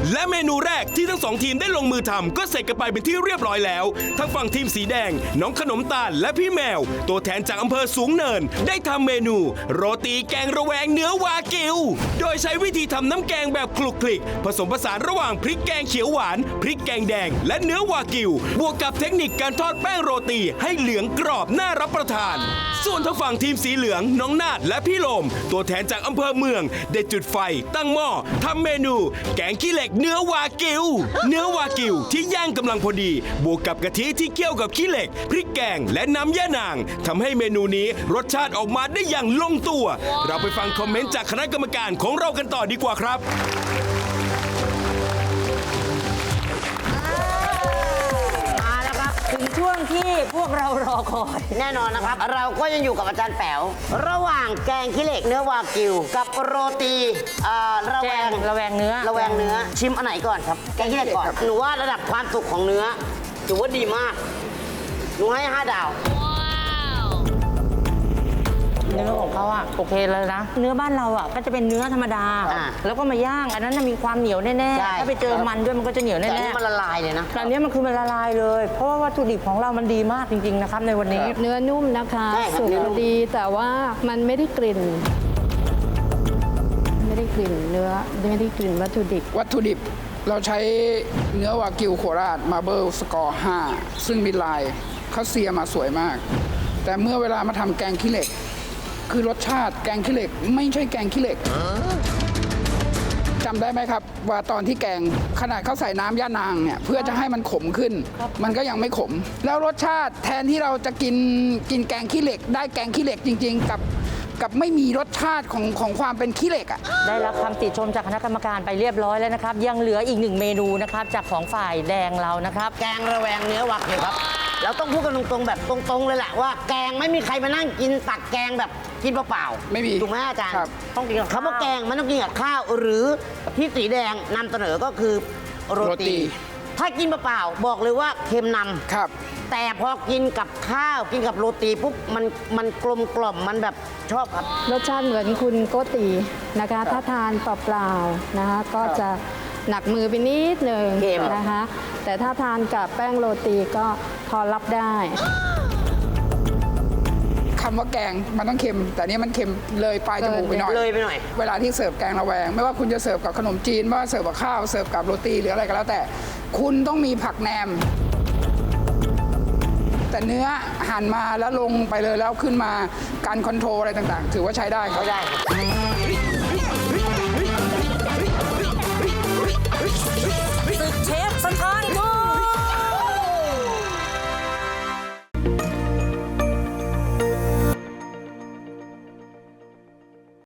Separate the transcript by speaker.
Speaker 1: และเมนูแรกที่ทั้ง2ทีมได้ลงมือทำก็เสร็จกันไปเป็นที่เรียบร้อยแล้วทั้งฝั่งทีมสีแดงน้องขนมตาลและพี่แมวตัวแทนจากอำเภอสูงเนินได้ทำเมนูโรตีแกงระแวงเนื้อวากิวโดยใช้วิธีทำน้ำแกงแบบคลุกคลิกผสมผสานระหว่างพริกแกงเขียวหวานพริกแกงแดงและเนื้อวากิวบวกกับเทคนิคการทอดแป้งโรตีให้เหลืองกรอบน่ารับประทานส่วนทางฝั่งทีมสีเหลืองน้องนาดและพี่โลมตัวแทนจากอำเภอเมืองได้จุดไฟตั้งหม้อทำเมนูแกงขี้เหล็กเนื้อวากิวเนื้อวากิวที่ย่างกำลังพอดีบวกกับกะทิที่เคี่ยวกับขี้เหล็กพริกแกงและน้ำย่านางทำให้เมนูนี้รสชาติออกมาได้อย่างลงตัวเราไปฟังคอมเมนต์จากคณะกรรมการของเรากันต่อดีกว่าครับ
Speaker 2: มาแล้วครับถึงช่วงที่พวกเรารอคอยแน่นอนนะครับ เราก็ยังอยู่กับอาจารย์แป๋วระหว่างแกงขี้เหล็กเนื้อวากิวกับโรตีระแวงเนื้อชิมอันไหนก่อนครับแกงขี้เหล็กก่อนหนูว่าระดับความสุกของเนื้อถือว่าดีมากหนูให้5 ดาวเนื้อของเขาอะโอเคเลยนะเนื้อบ้านเราอะก็จะเป็นเนื้อธรรมดาแล้วก็มาย่างอันนั้นมีความเหนียวแน่ๆถ้าไปเจอมันด้วยมันก็จะเหนียวแน่ๆแต่นี่มันละลายเลยนะแต่นี้มันคือมันละลายเลยเพราะว่าวัตถุดิบของเรามันดีมากจริงๆนะครับในวันนี้
Speaker 3: เนื้อนุ่มนะคะสุกดีแต่ว่ามันไม่ได้กลิ่นเนื้อไม่ได้กลิ่นวัตถุดิบ
Speaker 4: เราใช้เนื้อวากิวโคราชมาเบิลสกอร์ 5 ซึ่งมีลายเขาเซียมาสวยมาก แต่เมื่อเวลามาทำแกงขี้เหล็กคือรสชาติแกงขี้เหล็กไม่ใช่แกงขี้เหล็กจำได้ไหมครับว่าตอนที่แกงขนาดเขาใส่น้ำย่านางเนี่ยเพื่อจะให้มันขมขึ้นมันก็ยังไม่ขมแล้วรสชาติแทนที่เราจะกินแกงขี้เหล็กได้แกงขี้เหล็กจริงๆกับไม่มีรสชาติของความเป็นขี้เหล็กอ่ะ
Speaker 2: ได้รับคำติชมจากคณะกรรมการไปเรียบร้อยแล้วนะครับยังเหลืออีก1 เมนูนะครับจากของฝ่ายแดงเรานะครับแกงระแวงเนื้อวากิวครับเราต้องพูดกันตรงๆแบบตรงๆเลยแหละว่าแกงไม่มีใครมานั่งกินตักแกงแบบกินเปล่าๆ
Speaker 4: ไม่มี
Speaker 2: ถูกไหมอาจารย์ต้องกินกับคำว่าแกงมันต้องกินกับข้าวหรือที่สีแดงนำเสนอก็คือโรตีถ้ากินเปล่าๆบอกเลยว่าเค็มนำ
Speaker 4: ครับ
Speaker 2: แต่พอกินกับข้าวกินกับโรตีปุ๊บมันกลมกล่อมมันแบบชอบครับ
Speaker 3: รสชาติเหมือนคุณโกตินะคะถ้าทานเปล่าๆนะคะก็จะหนักมือไปนิดหนึ่งนะคะแต่ถ้าทานกับแป้งโรตีก็พอรับได้
Speaker 4: คำว่าแกงมันต้องเค็มแต่นี้มันเค็มเลยปลายจมูกไปหน่อยเวลาที่เสิร์ฟแกงระแวงไม่ว่าคุณจะเสิร์ฟกับขนมจีนไม่ว่าเสิร์ฟกับข้าวเสิร์ฟกับโรตีหรืออะไรก็แล้วแต่คุณต้องมีผักแหนมแต่เนื้อหั่นมาแล้วลงไปเลยแล้วขึ้นมาการคอนโทรลอะไรต่างๆถือว่าใช้ได้ครับ